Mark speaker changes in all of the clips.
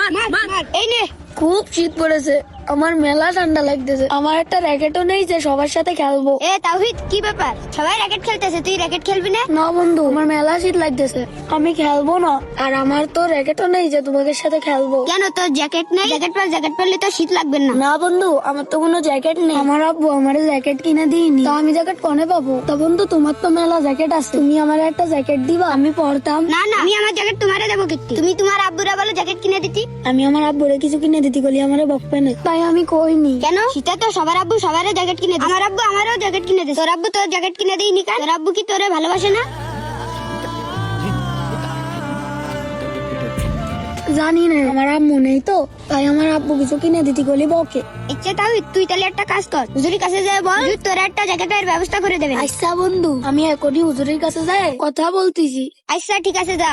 Speaker 1: এই নে।
Speaker 2: খুব শীত পড়েছে, আমার মেলা ঠান্ডা লাগতেছে। আমার একটা র্যাকেটও নেই যে সবার সাথে খেলবো।
Speaker 1: এ তাওহিদ, কি ব্যাপার? সবাই র্যাকেট খেলতেছে, তুই র্যাকেট খেলবি না?
Speaker 2: না বন্ধু, আমার মেলা শীত লাগতেছে, আমি খেলবো না। আর আমার তো র্যাকেটও নেই যে তোমাদের সাথে খেলবো।
Speaker 1: কেন, তোর জ্যাকেট নেই? জ্যাকেট পরলে তো শীত লাগবে না।
Speaker 2: না বন্ধু, আমার তো কোনো জ্যাকেট নেই। আমার আব্বু আমার জ্যাকেট কিনে দিইনি, তো আমি জ্যাকেট কোনে পাবো? তো বন্ধু, তোমার তো মেলা জ্যাকেট আছে, তুমি আমার একটা জ্যাকেট দিবা, আমি পরতাম।
Speaker 1: না না, আমি আমার জ্যাকেট তোমারে দেবো কি? তুমি তোমার আব্বুরা বলো জ্যাকেট কিনে দিতি।
Speaker 2: আমি আমার আব্বুরে কিছু কিনে দিতে গেলে আমারে বকবে না, তাই আমি কইনি।
Speaker 1: কেন? শীতে তো সবার আব্বু সবারই জ্যাকেট কিনে দেয়। আমার আব্বু আমারও জ্যাকেট কিনে দেয়। তোর আব্বু তোর জ্যাকেট কিনে দেয়নি কেন? তোর আব্বু কি তোরে ভালোবাসে না?
Speaker 2: জানি না, আমার আম্মু নেই তো, তাই আমার আব্বু কিছু কিনে দিতে গেলে বকে।
Speaker 1: ইচ্ছে তাওহিদ, তুই তাহলে একটা কাজ কর, হুজুরের কাছে যাই বল, হুজুর তোর একটা জ্যাকেটের ব্যবস্থা করে দেবেন।
Speaker 2: আচ্ছা বন্ধু, আমি এখনই হুজুরের কাছে যাই কথা বলতেছি।
Speaker 1: আচ্ছা ঠিক আছে, যা।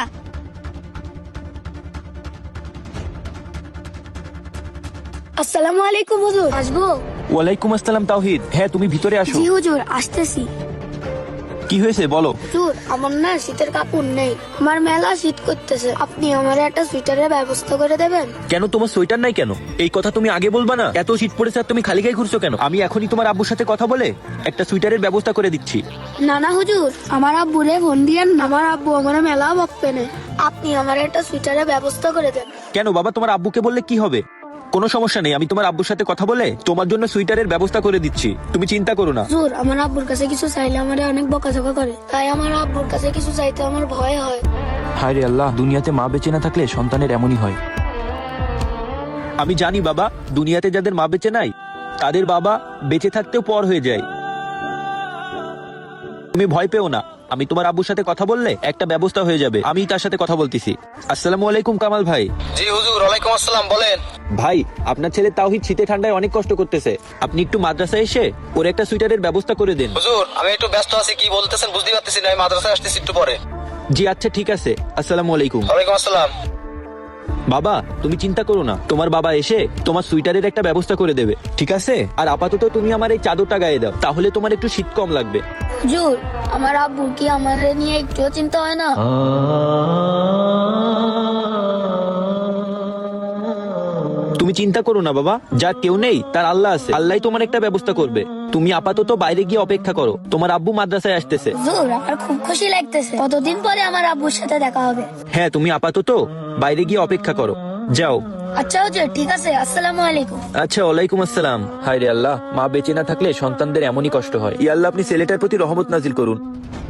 Speaker 2: আসসালামু আলাইকুম হুজুর, আসবো?
Speaker 3: ওয়ালাইকুম আসসালাম তাওহিদ। হ্যাঁ, তুমি ভিতরে আসো।
Speaker 2: জি হুজুর, আসতেছি।
Speaker 3: কি হয়েছে বলো?
Speaker 2: হুজুর, আমার না শীতের কাপড় নেই, আমার মেলা শীত করতেছে, আপনি আমার একটা সুইটারের ব্যবস্থা করে দেবেন?
Speaker 3: কেন, তোমার সোয়েটার নাই কেন? এই কথা তুমি আগে বলবা না? এত শীত পড়েছে আর তুমি খালি গায়ে ঘুরছো কেন? আমি এখনই তোমার আব্বুর সাথে কথা বলে একটা সুইটারের ব্যবস্থা করে দিচ্ছি।
Speaker 2: না না হুজুর, আমার আব্বুরে ফোন দিয়েন না, আমার আব্বু আমার মেলা বকবে না, আপনি আমার একটা সুইটারের ব্যবস্থা করে দেন।
Speaker 3: কেন বাবা, তোমার আব্বুকে বললে কি হবে? কোনো সমস্যা নেই, আমি তোমার আব্বুর সাথে কথা বলে তোমার জন্য সুইটারের ব্যবস্থা করে দিচ্ছি, তুমি চিন্তা করো না।
Speaker 2: হুজুর, আমার আব্বুর কাছে কিছু চাইলে আমারে অনেক বকাঝকা করে, তাই আমার আব্বুর কাছে কিছু চাইতে আমার ভয় হয়।
Speaker 3: হায় রে আল্লাহ, দুনিয়াতে মা বেঁচে না থাকলে সন্তানের এমনই হয়। আমি জানি বাবা, দুনিয়াতে যাদের মা বেঁচে নাই তাদের বাবা বেঁচে থাকতেও পর হয়ে যায়। তুমি ভয় পেও না, আমি তোমার আব্বুর সাথে কথা বললে একটা ব্যবস্থা হয়ে যাবে, আমি তার সাথে কথা বলতেছি। আসসালামু আলাইকুম কামাল ভাই।
Speaker 4: জি হুজুর, ওয়ালাইকুম আসসালাম, বলেন।
Speaker 3: ভাই, আপনার ছেলে তাওহিদ শীতে ঠান্ডায় অনেক কষ্ট করতেছে, আপনি একটু মাদ্রাসায় এসে ওর একটা সুইটারের ব্যবস্থা করে দেন।
Speaker 4: হুজুর, আমি একটু ব্যস্ত আছি, কি বলতেছেন বুঝতে পারতেছি না, আমি মাদ্রাসায় আসতেছি একটু পরে।
Speaker 3: জি আচ্ছা ঠিক আছে, আসসালামু আলাইকুম।
Speaker 4: ওয়ালাইকুম আসসালাম।
Speaker 3: বাবা, তুমি চিন্তা করো না, তোমার বাবা এসে তোমার সুইটারের একটা ব্যবস্থা করে দেবে, ঠিক আছে? আর আপাতত তুমি আমার এই চাদরটা গায়ে দাও, তাহলে তোমার একটু শীত কম লাগবে।
Speaker 2: হুজুর, আমার আব্বু কি আমার নিয়ে একটুও চিন্তা হয় না?
Speaker 3: তুমি চিন্তা করো না বাবা, যা কেউ নেই তার আল্লাহ আছে, আল্লাহ তোমার একটা ব্যবস্থা করবে। তুমি আপাতত বাইরে গিয়ে অপেক্ষা করো, তোমার আব্বু মাদ্রাসায় আসতেছে।
Speaker 2: হুজুর, আমার খুব খুশি লাগতেছে, কতদিন পরে আমার আব্বুর সাথে দেখা হবে।
Speaker 3: হ্যাঁ, তুমি আপাতত বাইরে গিয়ে অপেক্ষা করো, যাও।
Speaker 2: আচ্ছা হুজুর, ঠিক আছে, আসসালামু আলাইকুম।
Speaker 3: আচ্ছা, ওয়ালাইকুম আসসালাম। হায় রে আল্লাহ, মা বেঁচে না থাকলে সন্তানদের এমনই কষ্ট হয়। ইয়া আল্লাহ, আপনি ছেলেটার প্রতি রহমত নাজিল করুন।